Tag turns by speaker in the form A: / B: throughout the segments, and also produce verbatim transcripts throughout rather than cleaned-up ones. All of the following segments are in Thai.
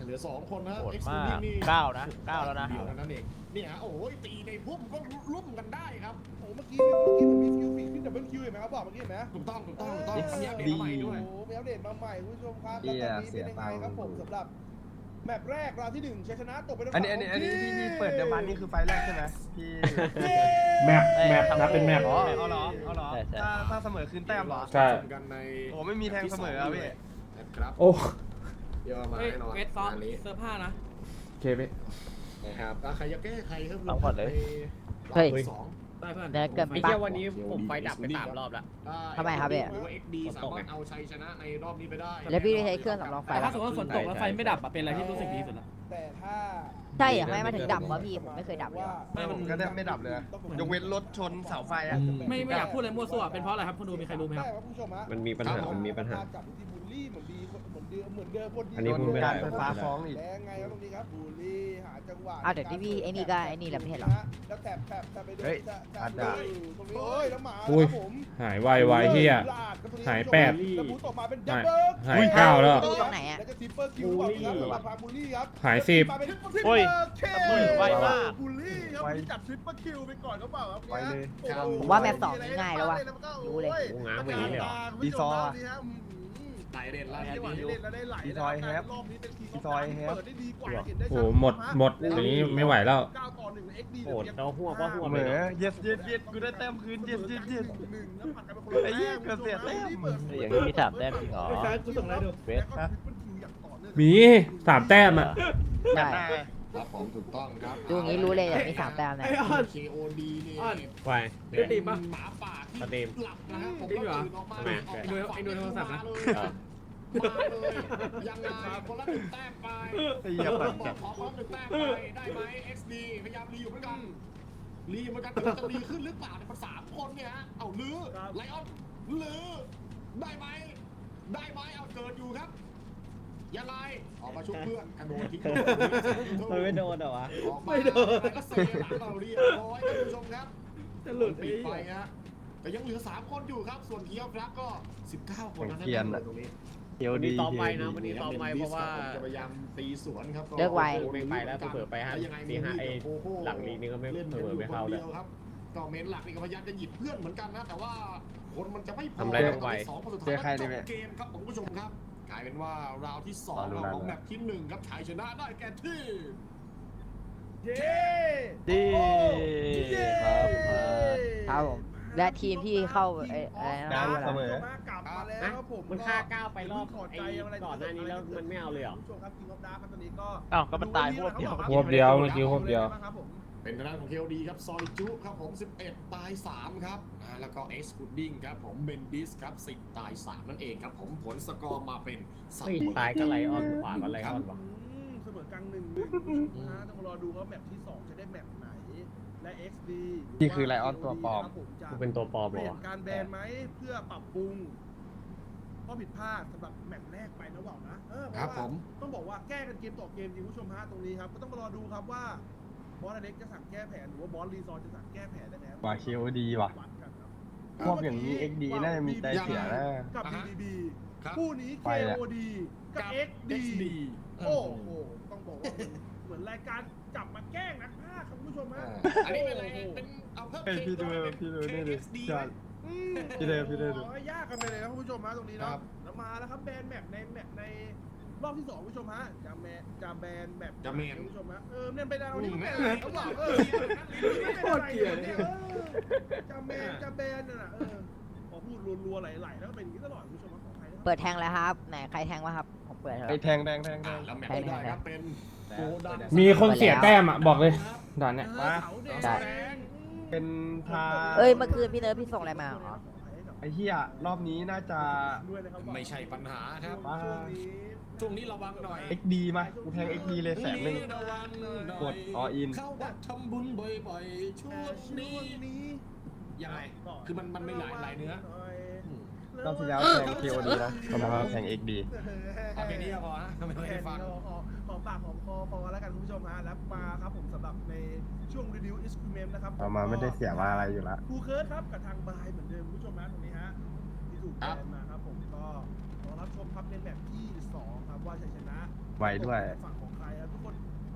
A: ลือสองคนนะ
B: โหด
A: เอ็กซ์
B: มาก
A: นี่
B: เก้านะเก้าแล้วนะ
A: เดียวนั่นเองเนี่ยโอ้ยตีในพุ่มก็ลุ่มกันได้ครับ
C: โอ้เมื่อกี้เมื่อกี้มันมีคิวฟีขึ้นดับเบิลคิวเห็นไหมครับบอกเมื่อกี้เห็นไหม
A: ถูกต้องถูกต้องถูกต้องมีอัปเดตมาใหม่ด้วย
C: โอ้มีอัปเดตมาใหม่คุณผู้ชมครับแล้วตอนนี้เป็นยังไงครับผมสำหรับแมปแรกราวที่หนึ่งชัยชนะตกไปแล้ว
D: อันนี้อันนี้อันนี้ที่ที่เปิดเดมันนี่คือไฟแรกใช่ไหมพี่
E: แมปแมปนับเป็นแมป
D: อ๋อเอาเหรอเอาเหรอ
B: ใช่ใช่
D: ถ้าถ้าเสมอคืนแต้มเหรอ
E: ใช่
A: กันใน
D: โอ้ไม่มีแทงเสมอครับพี่
A: นะครับ
E: โอ้
A: เดี๋ยวมา
F: เฮ้ย
A: แน่นอน
F: เวทซ้อม
A: งานนี้
F: เสื้อผ้านะ
E: โอเคพี่
A: นะครับอ่ะใครจะแก้ใครครับ
B: เอาก่อนเลย
A: เฮ้ยสอง
F: ได้เพื่อน
G: เดี๋ยวเกิด
F: ไอ้
G: ปะ
F: เหี้ยวันนี้ผมไฟดับไปสามรอบแล้ว
A: อ่า
G: ทำไมครับพี่
A: หรือว่า เอ็กซ์ ดี สามารถเอาชัยชนะในรอบนี้ไปได้
G: แล้วพี่ได้ใช้เครื่องสำรองไฟ
F: แต่
G: ปะ
F: ถ้าสมมติว่าฝนตกแล้วไฟไม่ดับอะเป็นอะไรที่รู้สึกดีสุดละ
C: แต่ถ้า
G: ใช่เหรอไม่มาถึงดับวะพี่ผมไม่เคยดับเลยว่ะ
F: ไม่มัน
D: ก็แทบไม่ดับเลยยกเว้นรถชนเสาไฟอะ
F: ไม่ไม่อยากพูดอะไรมั่วซั่วเป็นเพราะอะไรครับคุณดูมีใครรู้ไหมครับ
C: ใช่คุณผู้ชมฮะ
H: มันมีปัญหา มันมีปัญหา
C: จับที่บูลลี่เหมือนดีเหมือนเดิมเหมือนเดิมคนดี
H: อันนี้พูดไม่ได้
D: การไฟฟ้าฟ้องอีก
C: แรงไงครับตรงนี้ครับบูลลี่หาจังหวะ
G: อ้าวเดี๋ยวที่พี่ไอ้นี่ก็ไอ้นี่แหละไม่ใช่เหรอ
C: แล้วแถบแถบแถบไปดู
D: เฮ้ย
C: จะจะ
D: อาจ
C: ดู
D: จะ
C: ตรงนี้โอ้ยแล้วหมา
E: อุ้ย
C: ครับผม
E: หายไวไวเฮีย
C: ลากครับตรงนี้
E: หายแปด
C: แล้วบูตออกมาเป็นดับ
E: หาย
C: เบิล
E: หายเก้าแล้ว
G: ดูตรงไหนอะ
C: แล้วจะทิปเปอร์คิวเปล่าครับสำหรับทางบูลลี่ครับ
E: หายสิบ
C: มาเป็น
B: โอ้ย
C: เค
B: โอ้ยไวมาก
C: บูลลี่ครับ
D: ไว
C: บูลลี่จับทริปเปอร์คิวไปก่อนเขาเปล่าครับ
D: ไวเลย
C: โอ้โห
G: ผมว่าแมปสองนี่ง่ายแล้ววะรู้เลย
H: โอ้ง้างไปอย่างนี้เลยเหรอ
D: ดีซอร์
A: ไต่เด่นแล้ว
C: ไต่
A: เนี่ย
C: เด่นแล้วได้ไหล
D: ดีซอยแฮป
C: รอบนี้เป็นที
D: ดีซอยแฮป
C: เปิดได้ดีกว่าเห็นได้
E: โอ้
C: ชั
E: โหหมดหมดอย่างนี้ไม่ไหวแล้ว
C: เก้าต่อหนึ่ง เอ็กซ์ ดี
H: โหดเราหัวก็หัว
D: เหมือ yes yes yes กูได้แต้มคืน yes yes yes
C: หนึ่งแล้วผัดกันเป็นคนละ
D: ไอ้เหี้ยเกือบเสียแต้ม
B: อย่างนี้มีสามแต้มจริงเหรอ
F: กูส่งอะไรดู
B: เวท
C: แล้วก็ triple kill อย่างต่อเนื่อง
E: มีสามแต้มอ่ะ
G: ใช่
A: ครับผมถูกต้องครับ
G: ดูอย่างนี้รู้เลยอย่างมีสามแต้มนะ
F: ไอ้ออน
A: เค โอ ดี นี่
F: อ้อน
H: ไป
F: ได้ตีปะ
A: หมาป่าที่
H: สตรีม
A: หลับนะครับผม
F: จริงเหรอ
A: ตื่นออกมา
H: ทำไม
A: ออก
F: ไอ้ดูไอ้ดูโทรศัพท์นะ
A: มาเลยยังไงคนละหนึ่งแต้มไป
D: ไอ้เหี้ย
A: บ
D: ปั่
A: อน ก
D: จัด
A: ขอคนละหนึ่งแต้มไปได้ไหม เอ็กซ์ ดี พยายามรีอยู่เหมือนกันรีเหมือนกันแต่มันจะรีขึ้นหรือเปล่าเนี่ยมันสามคนเนี่ยฮะเอาลื้อไลออนลื้อได้ไหมได้ไหมเอาเกิดอยู่ครับยังไงออกมาชุบเพื่อนกระโดดทิ้ง
H: มันไม่โดนเหรอวะ
A: ออกมาแล้วเซหลังเราเรียบร้อยท่านผู้ชมครับ
F: จะหลุด
A: ปิ
F: ไอ้
A: ดไป
F: เหี้ย
A: ฮะแต่ยังเหลือสามคนอยู่ครับ ส่วนเคียวครับก็สิบเก้าคนนะ
D: เกียนอะ
A: ตรงนี้
H: เดี๋ยวดีตอบไปนะวันนี้ตอบไปเพราะว่า
A: จะพยายามตีสวนครับ
G: เลิกไว
H: ไม่ไปแล้วเผื่อไปฮะ
A: แล้วยังไง
H: ตีห้าไอ้
A: โอ้โ
H: หลังลีกนี่ก็ไม่
A: ล่น
H: เผื่อไม่เข้าเลย
A: ดีวครับก็เมนหลักนี่ก็พยายามจะหยิบเพื่อนเหมือนกันนะแต่ว่าคนมันจะไม่พอ
H: ทำอะไรลงไป
A: สองคนสุดท้าย
D: เจอใครดี
A: จ
D: ไหม
A: บเกมครับผมผู้ชมครับ กลายเป็นว่าราวที่สอง
D: รอดู
A: ของ
D: นะ
A: แมปที่หนึ่งครับชัยชนะได้แก่ที่
C: เย้
B: ดีครับ
G: ครับผมและทีมที่เข้าไอ้อะไร
D: ได้
G: นะ
D: เสมอ
C: กลับมาแล้วครับผม
H: มันฆ่าก้าวไปรอบ
C: ถด
H: ไอ้
C: ใจะไร
H: ก่อนหน้านี้แล้วมันไม่เอาเลยเหรอ
C: คุณผู้ชมครับทีมออฟดาร์คครับตอนนี้ก็
B: อ้าวก็มันตายพวกเดียว
E: พวกเดียวเมื่อกี้พวกเดียว
C: ครับผม
A: เป็นทางด้านของเคลดีครับซอยจุครับผมสิบเอ็ดตายสามครับอ่าแล้วก็เอ็กซ์พุดดิ้งครับผมเบนดิสครับสิบตายสามนั่นเองครับผมผลสกอร์มาเป็นสาม
H: เฮ้ยตายก็ไลออนขวาก็ไลออนวะ
C: อืมเสมอกลางหนึ่งหนึ่งคุณผู้ชมฮะต้องรอดูว่าแมปที่สองจะได้แมปไหนและ เอ็กซ์ ดี
D: นี่คือไลออนตัวปลอม
C: ครับผจะ
H: กูเป็นตัวปลอม
C: เป
H: เหร
C: ลี่
H: อย
C: น
H: วะ
C: การแบนไหมเพื่อปรับปรุงข้อผิดพลาดสำหรับแมปแรกไปนะหว่าวนะเออเพ
A: ครับ
C: ราะ
A: ผ
C: ว่าม ต้องบอกว่าแก้กันเกมต่อเกมจริงคุณผู้ชมฮะตรงนี้ครับก็ต้องมารอดูครับว่าบอสอเล็กจะสั่งแก้แผนหรือว่าบอสรีซอร์จะสั่งแก้แผนได้ไหมครับ
D: ว่า เค โอ ดี ว่ะ
C: วัดกันครับ
D: พวกอย่างนี้ เอ็กซ์ ดี น่าจะมีใจเสียนะ
C: กับ บี บี บี
A: ครับ
C: คู่นี้
D: ไปแหละ
C: เค โอ ดี กับ เอ็กซ์ ดี โอ้โห ต้องบอกว่าเหมือนรายการจับมาแกล้งนักพากย์ครับคุณผู้ชมฮะ
A: อันนี้เป็นอะไรเป็นเอาเพิ่ม
D: เฮ้ยพี่ดูพี่ดูนี่ดิ
A: เค เอ็กซ์ ดี
D: ใช่
C: อืม
D: พี่เดชพี่เดช
C: โอ้ยยากกันไปเลยนะคุณผู้ชมฮะตรงนี้
A: ครั
C: เนาะ
A: บ
C: แล้วมาแล้วครับแบนแมปในแมปในรอบที่สองคุณผู้ชมฮะจะแมนจะแบนแมป
A: จะแมน
C: คุณผู้ชมฮะเออเนี่ยไปดาวนี่
A: อืม
C: แมนอะไรเขาบอกเออโคตรเกลียดเนี่ยเออจะแมนจะแบนน่ะนะเออพอพูดรัวๆไหลๆแล้วก็เป็นอย่างนี้ตลอดคุณผู้ชมฮะขออภัยนะครับ
G: เปิดแทงแล้วครับไหนใครแทงวะครับผมเปิดแล้ว
D: ไอ้แทงแทงแทงแท
A: อ่าง แล้วแมตช์ที่ได้ครับเป็นโกดัง
E: มีคนเสียแต้มอ่ะบอกเลยด่านเนี้ย
C: เออเสาแดง
G: ได้
C: แดง
D: เป็นทา
G: เอ้ยเมื่อคืนพี่เนิร์ดพี่ส่งอะไรมาเหรอ
D: ไอ้เหี้ยรอบนี้น่าจะ
C: ด้วยนะครับ
A: ไม่ใช่ปัญหาครับ
D: ว่า
A: ช่วงนี้ระวังหน่อย
D: เอ็กซ์ ดี มากูแทง เอ็กซ์ ดี เลยแสนหนึ่ง
A: ระวังหน่อย
D: กด all in
A: เข้าวัดทำบุญบ่อยๆช่วงนี้ยังไงคือมันมันไม่หลายหลายเนื้ออืม
D: รอบที่แล้วแทง เค โอ ดี นะรอบนี้แทง เอ็กซ์ ดี
A: เอาแค่นี้ก็พอฮะไม่ได้ฟัง
C: หอมปากหอมคอพอแล้วกันคุณผู้ชมฮะแล้วมาครับผมสำหรับในช่วงรีวิวอิสคิวเมมนะครับ
D: เอามาไม่ได้เสียว่าอะไรอยู่ละ
C: ครูเคิร์ดครับกับทางบายเหมือนเดิมคุณผู้ชมฮะตรงนี้ฮะที่ถูกแบนมาครับผมก็รอรับชมครับในแบบที่สองครับว่าชัยชนะ
D: ไวด้วย
C: ฝั่งของ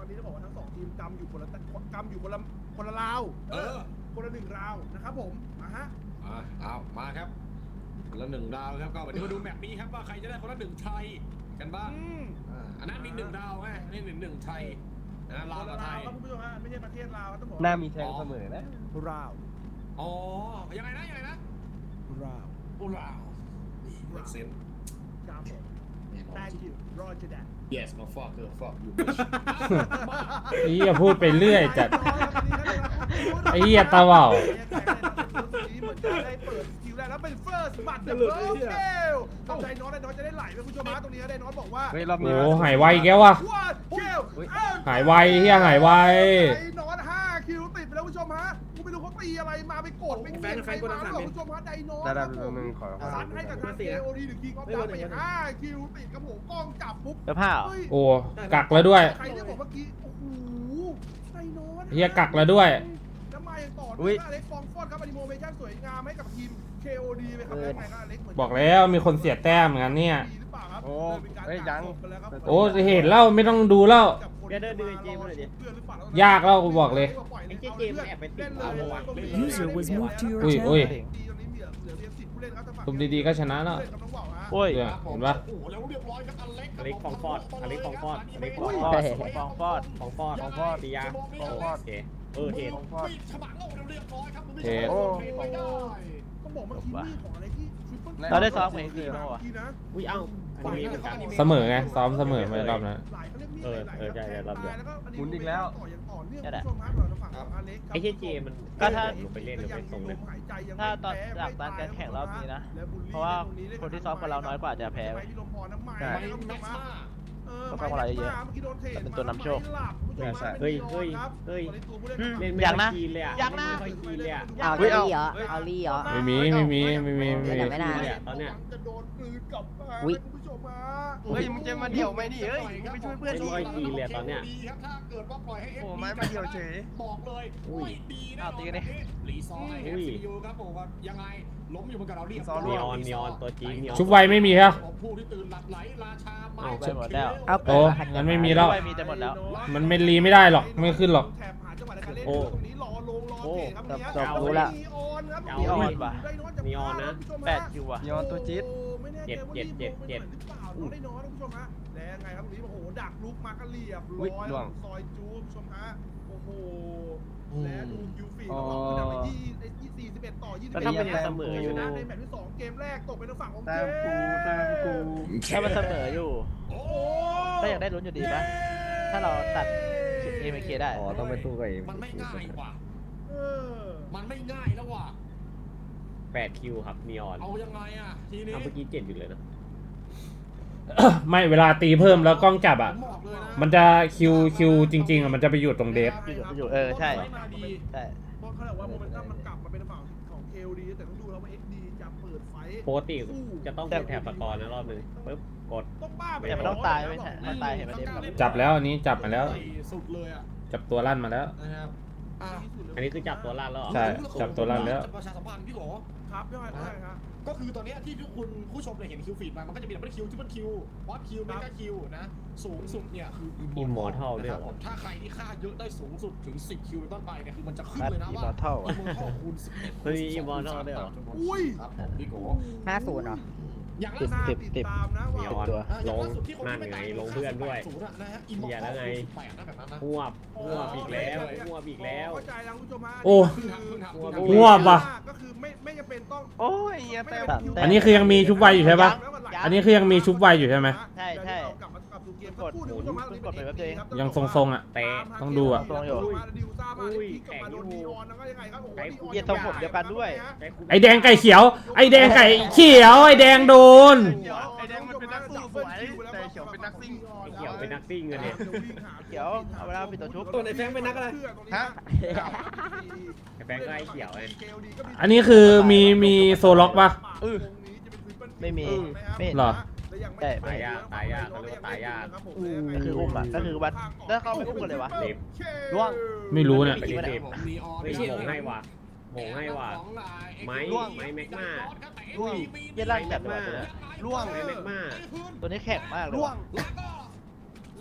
C: อนนี้ต้องบอกว่าทั้งสองทีมกำอยู่คนละกำอยู่คนละคนละราว
A: เออ
C: คนละหนึ่งราวนะครับผมมาฮะ
A: อ่าเอามาครับคนละหนึ่งดาวครับก็วันนี้มาดูแมปนี้ครับว่าใครจะได้คนละหนึ่งไทยกันบ้าง
C: อืม
A: อ่าอันนั้นมีหนึ่งดาวไงอันนี้หนึ่งหนึ่งไทยนะลาวกับไทย
C: ครับคุณผู้ชมฮะไม่ใช่ประเทศลาวต้องบอก
D: หน้ามีแทงเสมอนะ
C: ราว
A: อ๋อยังไงนะยังไงนะ
C: ราว
A: โอ้ลาวนี่เม็กเซน
C: ครับผม thank you roger that
A: yes my fucker fuck you
E: ไอ้เหี้ยพูดไปเรื่อยจัด ไอ้เหี้ยตาว่าว
C: เหมือนจะได้เปิดคิวแรกแล้วเป็น first บัตรเดอะเบิร์ดเกลทำใจน้องได้น้องจะได้ไหลไปคุณผู้ชมฮะตรงนี้ได้น้องบอกว่า
D: เฮ้ยรอบ
E: โอ้
D: นี้
E: โหหายไวแกวว่ะ
C: ว่าเกล
E: หายไวเฮียหายไว
C: ไอ้น้องห้าคิวติดไปแล้วคุณผู้ชมฮะกูไม่รู้เขาตีอะไรมาไปกดไม่เก่งใครมาหรอกคุณผู้ชมฮะไดโน
D: ได้ได้ตรงนึงขอขอ
C: ซัดให้กับทาง เค โอ ดี หรือ King of Dust ไปห้าคิวติดครับผมกล้องจับปุ๊บ
B: เจ้าผ้าเหรอ
C: เฮ้ย
E: โอ้กักแล้วด้วย
C: ใครที่บอกเมื่อกี้โอ้โหไดโน
E: เฮียกักแล้วด้วย
C: แล้วมาอย่างต่อ
D: อุ๊
C: ด้วย
D: ย
C: อเล็กฟองฟอดครับอนิโมเมชั่นสวยงามให้กับทีม เค โอ ดี ไปครับแล้วไงครับอเล็กเหมือน
E: บอกแล้วมีคนเสียแต้มเหมือนกันเนี่ย
C: ดีหรือเปล่าครับ
D: โอ้
C: เลยเป็นการ
D: เฮ้ยยัง
C: กักศพไปแล้วครับ
E: โอ้เห็นแล้วไม่ต้องดูแล้ว
C: กับคน
H: แกเดินดูไอ้เกมหน่อยดิ
C: เพื่อนหรือเปล่
E: ยากแล้วกูบอกเลย
H: ไอ้เจ๊เจมส์แอบไปติด
C: เล่นเลย
H: เอาวะ
I: User was moved to your
E: อุ้ยอุ้ย
C: ดีตอนนี้เหลือเหลือเพียงสิบผู้เล่นครับทางฝั่ง
E: ทุบดีๆก็ชนะแล้ว
C: ผู้เล่นครับน้องว่าวฮะ
B: โอ้ย
E: เนี่ยเห็นปะ
A: โอ้โหแล้วเรียบร้อยครับอเล็ก
H: อเล็กฟองฟอดอเล็กฟองฟอดอเล็กฟ
B: ฟ
H: อ
B: อง
H: ง
B: ฟ
H: ฟ
B: อ
H: อ
B: ด
H: ด
B: ฟองฟอด
H: ฟองฟอดฟองฟอดตียาโอเคเออเทน
A: ปิดฉมังเอาเรียบร้อยครับ
E: เทน
A: โอ้ไม่ได้
C: ต้องบอกเมื่อกี้นี่ของอะไรที่ทริปเปิล
B: เราได้ซ้อมกับไอ้คือ
C: เมื่
B: เมื่อวาน
C: กี้นะ
H: อุ้ยเอ้าอันนี้เหมือนกัน
E: เสมอไงซ้อมเสมอไปรอบนั้น
C: หลายเขาเรียกมีด
H: เออ
C: หลายๆ
H: เออใช่
C: แทง
H: รอบเดียว
C: ตายแล้วก็
D: หมุนอีกแล้ว
C: ต่ออย่างต่อเนื่อง
B: นั่นแหละ
C: คุณผู้ชมครับเราจะฝั่งของอเล็กครับ
H: ไอ้เจ๊เจมัน
B: ก็ถ้า
H: ลงไปเล่นหรือไปส่งเลย
B: ถ้าตอนหลังตอนการแข่งรอบนี้นะ เพราะว่าคนที่ซ้อมกับเราน้อยกว่าจะแพ้เว้ย
D: ใช่
A: ไม่แม็กซ์มา
E: ก็เข้ามาอะไรเยอะ
B: แต่เป็นตัวนำโชค
H: เฮ้ยเฮ้ยเฮ้ยเล่นไม่
B: อยาก
H: ค่
B: นะ
H: อยคีนเลยอะ
B: อยากนะ
H: เล่นไม่ค่อยคีนเลยอะ
G: เอา
D: เฮ้ย
G: ลี่
D: เอา
G: เหรอเอาลี่เหรอ
E: ไม่มีไม่มีไม่มีไม่มี
G: แต่ไม่นาน
H: เนี่ยตอนเนี้ย
C: จะโดนกลืนกลับมา
G: อุ๊ย
C: คุณผู้ชมฮะ
D: เฮ้ยมึงจะมาเดี่ยวไหมนี่เฮ้ยมึงไปช่วยเพื่อน
H: ไม่
D: ดิ
H: ค่อยคีนเลยตอนเนี้ย
A: ดีครับถ้าเกิดว่าปล่อยให้
D: โอ้ไม้มาเดี่ยวเฉย
A: บอกเลย
H: อุ้ย
A: ไม่ดีแน่น
B: อ้าว
A: อน
B: ตีกันดิ
A: รีซอย
H: อุ้ย
A: เอฟซียูครับผมว่ายังไงล้มอยู่บนกับเราเรียบ
D: ซอ
H: นีออนนีออนตัวจริงนีออน
E: ชุบไวไม่มีครับ
A: ผู้ที่ตื่นหลับไหลราชาไม้
H: เอา
B: ไปหมดแล้ว
G: เอา
E: โอ้งั้นไม่มีแล้ว
B: ไม่มีจะหมดแล้ว
E: มันไม่รีไม่ได้หรอกไม่ขึ้นหรอก
C: แถบหาจังหวะในการเล่น
H: โอ้
C: ตรงนี้รอลงรอเตะครับตรงนี้
G: จบรู้ละ
C: นีออนครับ
B: นีออนว่ะ
C: ได้น้อยจาก
H: นีออนนะ
C: คุณผู้ชมฮ
B: แปดคิวว่ะ
D: นีออนตัวจี๊ด
C: โอ้ไม่แน่ใจว่า
H: เจ็ดเจ็ดเจ็ด
C: รีบลงไปหน่อยหรือเปล่าน้องได้น้อยนะคุณผู้ชมฮะแล้วยังไงครับตรงนี้โอ้โหดักลุกมาก็เรียบร้
D: อุ๊
C: อย
D: ยล่วง
C: ซอยจูบคุณผู้ชมฮะโอ้โหและดูคิวฟีดของเราคือดักไปที่ไอ้ที่สี่สิบเอ็ดต่อยี่สิบ
H: แล้ว
C: เอ็ด
H: ถ้าเป็นยังเสมออยู่นะ
C: ในแมตช์ที่สองเกมแรกตกเป็นทางฝั่งของ
D: แต้
C: เจ
D: มกูแต้มกู
B: ถ้ามันเสมออยู่
A: โอ้
B: ก็ยังได้ลุ้นอยู่ดีปะถ้าเราตัดเอเมเคได้
D: อ๋อต้องไปสู้กับเอง
A: มันไม่ง่ายว่ะ
C: เออ
A: มันไม่ง่ายแล้วว่ะ
H: แปดคิวครับนีออน
A: เอายังไงอ่ะทีนี้
H: เอาเมื่อกี้เจ็ดอยู่เลยนะ
E: ไม่เวลาตีเพิ่มแล้วกล้องจับอ่ะ
A: ผมบอกเลยนะ
E: มันจะคิวคิวจริง ๆอ่ะมันจะไปอยู่ตรงเดฟ
B: อยู่อยู่เออใช่
A: มาดี
B: ใช่
C: เพราะเขาบอกว่าโมเมนตัมมันกลับมาเป็นฝั่งของ เค โอ ดี แต่ต้องดูแล้วว่า เอ็กซ์ ดี จะเปิดไฟท์
H: ปกติจะต้องเป็นแถบสกอร์นะรอบหนึงปึ๊บกด
C: ต้องบ้าไป
B: แต่มันต้องตายไม่ใช่ถ้าตายเห็นมันเดฟ
E: จับแล้วอันนี้จับมาแล้ว
A: สุดเลยอ่ะ
E: จับตัวลั่นมาแล้ว
A: นะครับอ่ะ
H: อันนี้คือจับตัวล่างแล้วเหรอ
E: ใช่ จับตัวลั่นแล้ว
A: ประชาสัมพันธ์พี่โห
C: ครับพี่อ้อยใช่ครับ
A: ก็คือตอนเนี้ยที่ทุกคุณผู้ชมเนี่ยเห็นคิวฟีดมา มันก็จะมีดับเบิลคิวทริปเปิลคิววอตคิวเมกาคิวนะ สูงสุดเนี่ยคือ
H: Immortal ด้วย
A: นะ
H: เหรอ
A: ครับผมถ้าใครที่ฆ่าเยอะได้สูงสุดถึงสิบคิวเป็นต้นไปเนี่ยคือมันจะขึ้น
B: นัด
A: เลยนะ
B: อี
A: ว่า
B: มอร์ทัล
A: อิมมอร์ทัลคูณสิบเอ็ด
H: เฮ้ย Immortal ด้วยเหรอ
C: อุ้ย
A: ครับผมพี่โก
G: ห้าศูนย์เหรอ
A: อย่าง
B: สิ
A: ล่า
B: บ
A: สุด
B: สิบ
C: ติดตามนะ
H: นี
C: ว่า
H: ออน
B: ตัว
A: อ่ะอย่าง
H: ลง
A: ล่าสุดที่คน
H: นั่น
A: ที่
H: ไง
A: ม่ตาย
H: ลงเพื่อนด้วย
A: ศูนย์อะนะฮะอิมมอ
H: เหี้ย
A: ร์
H: แล้
A: ทั
H: ว
A: ล
H: ไง
A: คูณสิบแปดนะแบบนั้นนะ
H: หวบหวบอีกแล้วหวบอีกแล้ว
C: เข้าใจแล้วคุณผู้ชมฮะ
E: โอ้
A: ขึ้นทางขึ้นทางขึ้นทาง
E: หัวปะ
C: ก็คือไม่ไม่จำเป็นต้อง
D: โอ้ยเหี้ยแต้ม
E: อันนี้คือยังมีชุบไวอยู่ใช่ปะ อันนี้คือยังมีชุบไวอยู่ใช่ไหม
B: ใช่ใช่
C: กลับมากลับสู่เกม
B: กด
C: สั
B: หมุน
C: คุณผู้ชมฮะ
B: กดไปแป๊บเดียวเอง
E: ยังทรงๆอ่ะ
H: เตะ
E: ต้องดูอะ
B: ทรงอยู่
C: ดิวซ่ามา
H: อุ้ย
C: พลิกกลับมาโดน
H: แข็งอยู่
C: นีออนแล้วก็ยังไงครับโอ้โห
H: ไอ้
C: นีออน
B: เหี้ยทรงผมเดียวกันด้วย
E: ไอแดงไก่เขียว ไอแดงไก่เขียว ไอแดงโดน
D: เดี๋ยวไอ้แดงมันเป็นนักสู้สวยแต่เขียวเป็นนักซิ่ง
H: ไอ้เขียวเป็นนักซิ่งเลยเนี่ย
B: เขียวเอาเวลาปิดตัวชุบ
F: ตัวไหนแฟงเป็นนักอะไร
D: ฮะ
H: ไอ้แฟงก็ไอ้เขียวไง
E: อันนี้คือมีมีโซล็อกปะ
D: เออ
B: ไม่มีไม่เห็น
E: หรอ
B: ใช่
H: ตายยากตายยากเขาเรียกว่าตายยาก
B: ก็คืออุ้มอะก็คือวัดแล้วเขาไม่อุ้มกันเลยวะ
H: เด็บ
B: ร่วง
E: ไม่รู้เนี่ย
H: ไปเด็บ
A: ผมนีออน
H: เฮ้ยโหงให้ว่ะโหงให้ว่ะ ไม้ไม้แม็กมา
A: ร่วง
B: เหี้ยร่างจัดเลยว่ะตัวเนี้ย
D: ล่วง
H: ไม้แม็กมา
B: ตัวนี้แข็งมากเลย
D: ล่ว
B: ว่ะ
D: ง
A: แล้วก็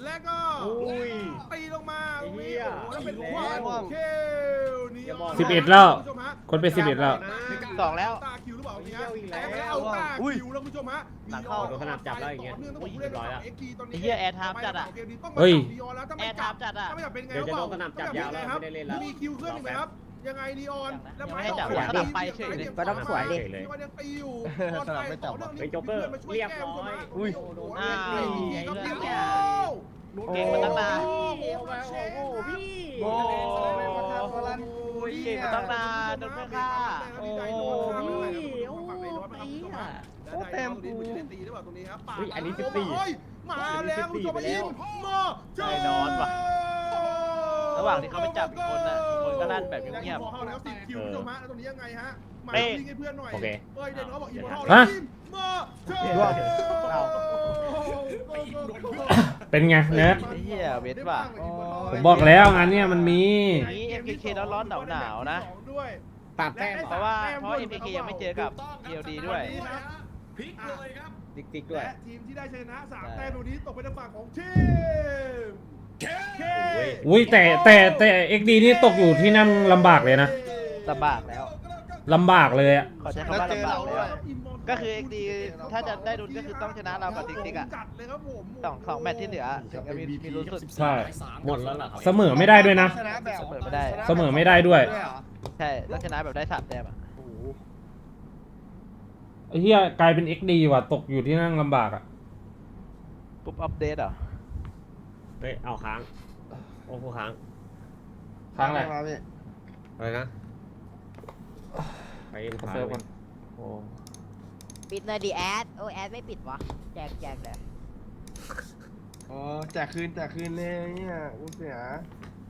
C: และก็
H: อุ้ย
C: ตีลงมาตรงนี้
H: ไอ้เหี้ย
C: โอ้โหแล้วเป็น
H: อีก
C: ควา
H: แล้
C: ม
H: ว
C: เคลนี่
H: อย่าบอกนะ
E: สิบเอ็ดแล้ว
C: ณผู้ชมฮะ
E: คนเป็นสิบเอ็ดแล้ว
B: สองแล้ว
C: ตาคิวหรือเปล่าเนี่ย
H: อีกแล้ว
C: แอเอาตาคิวแล้วคุณผู้ชมฮะ
B: หลังเข้า
H: โดนสนับจับแล้วอย่างเงี้ย
C: ต่นื่องต้องบอกผู้เล่น
H: เรียบร้อยแล้ว
C: เอ็กซ์ดีตอนนี้
B: ไอ้เหี้ยแอร์ไทม์จัดอะ
C: เกมนี้ต้องมา
E: เฮ้ย
C: จับลีออนแล้วถ้า
B: แอ
C: ไม่
B: ร์
C: จั
B: ทั
C: บบ
B: จัดอ่ะ
C: ถ้าไม่จับเป็นไง
H: เดี๋ยวจะโดน
C: เป
H: สนับจับยาวแล้ว
C: ครับ
H: ไม่ได้เล่นแล้ว
C: มีคิวเครื่องอีกไหมครับ ยังไงลีออนแล้ว
B: ยังไม่ให้จับยังไม่ไปเฉยเลย
G: ก็ต้องสวยดิ
C: ลีออนยังตีอยู่
D: สนับไม่จับ
H: เฮ้ยโจ๊กเกอร์เรียบร้อยอุ้ย
B: อ้าว
C: ไอ้เหี้ย
B: เก่งมาตั้งนาน
C: โอ้โห
B: โอ้ยเก่งมาตั้งนานโดนเพื่อนฆ่า
C: โอ้ยโอ้ยเต็มกูตีหรือเปล่าตรงนี้ครับ
H: อุ้ยอันนี้สิบสี่
C: มาแล้วคุณผู้ชมมายิงมา
B: ใจนอนว่ะ ระหว่างที่เขาไปจับอีกคนน่ะอีกคนก็ลั่นแบบเงียบ
C: ๆเข้าแล้วสิบคิวคุณผู้ชมฮะแล้วตรงนี้ยังไงฮะมา
B: เป๊ะ
C: ยิงให้เพื่อนหน่อย
H: โอเค
C: เอ้ยเด่นเขาบอกอีโมทัล
E: ฮะ
C: มาเชิญ
E: เป็นไงเนิร์ด
B: ไอ้เหี้ยเวทว่ะ
E: ผมบอกแล้วงานเนี้ยมันมี
B: นี้ เอ็ม เค เค ร้อนๆหนาวๆนะ
C: ด้วย
H: ตัดแต้ม
B: เพราะว่าเพราะ เอ็ม เค เค ยังไม่เจอกับ เอ แอล ดี ด้วย
A: พลิกเลยครับ
H: ติ๊กติ๊กด้วย
C: และทีมที่ได้ชนะสามแต้มตรงนี้ตกเป็นทางฝั่งของทีมเค
E: อุ้ยแต่แต่แต่เอ็กดีนี่ตกอยู่ที่นั่งลำบากเลยนะ
B: ลำบากแล้ว
E: ลำบากเลยอะ
B: ขอใช้คำว่าลำบากแล้ว ก็คือ เอ็ก ดี ถ้าจะได้ดุลก็คือต้องชนะเรากับติ๊กติ๊กอะ
C: จัดเลยครับผม
B: สองสองแมตช์ที่เหลือถึงจะมีมีลุ้นสุด
E: ใช่
H: หมดแล้วเหรอครับ
E: เสมอไม่ได้ด้วยนะ
D: ชนะแบบ
B: เสมอไม่ได้
E: เสมอไม่ได้ด้วย
B: ใช่ต้องชนะแบบได้สามแต้มอะ
E: ไอ้เหี้ยกลายเป็น เอ็ก ดี ว่ะตกอยู่ที่นั่งลำบากอะ
B: ปุ๊บอัปเดตเหรอ
H: เฮ้ยเอาค้างโอ้โหค้าง
E: ค้างอะไร
H: อะไรนะไปเอ็นค้าง
E: เซิร์ฟก่อน
H: โอ้
G: ปิดหน่อยดิแอดโอ้แอดไม่ปิดวะแจกแจกเลย
D: อ๋อแจกคืนแจกคืนเลยเนี่ยกูเสีย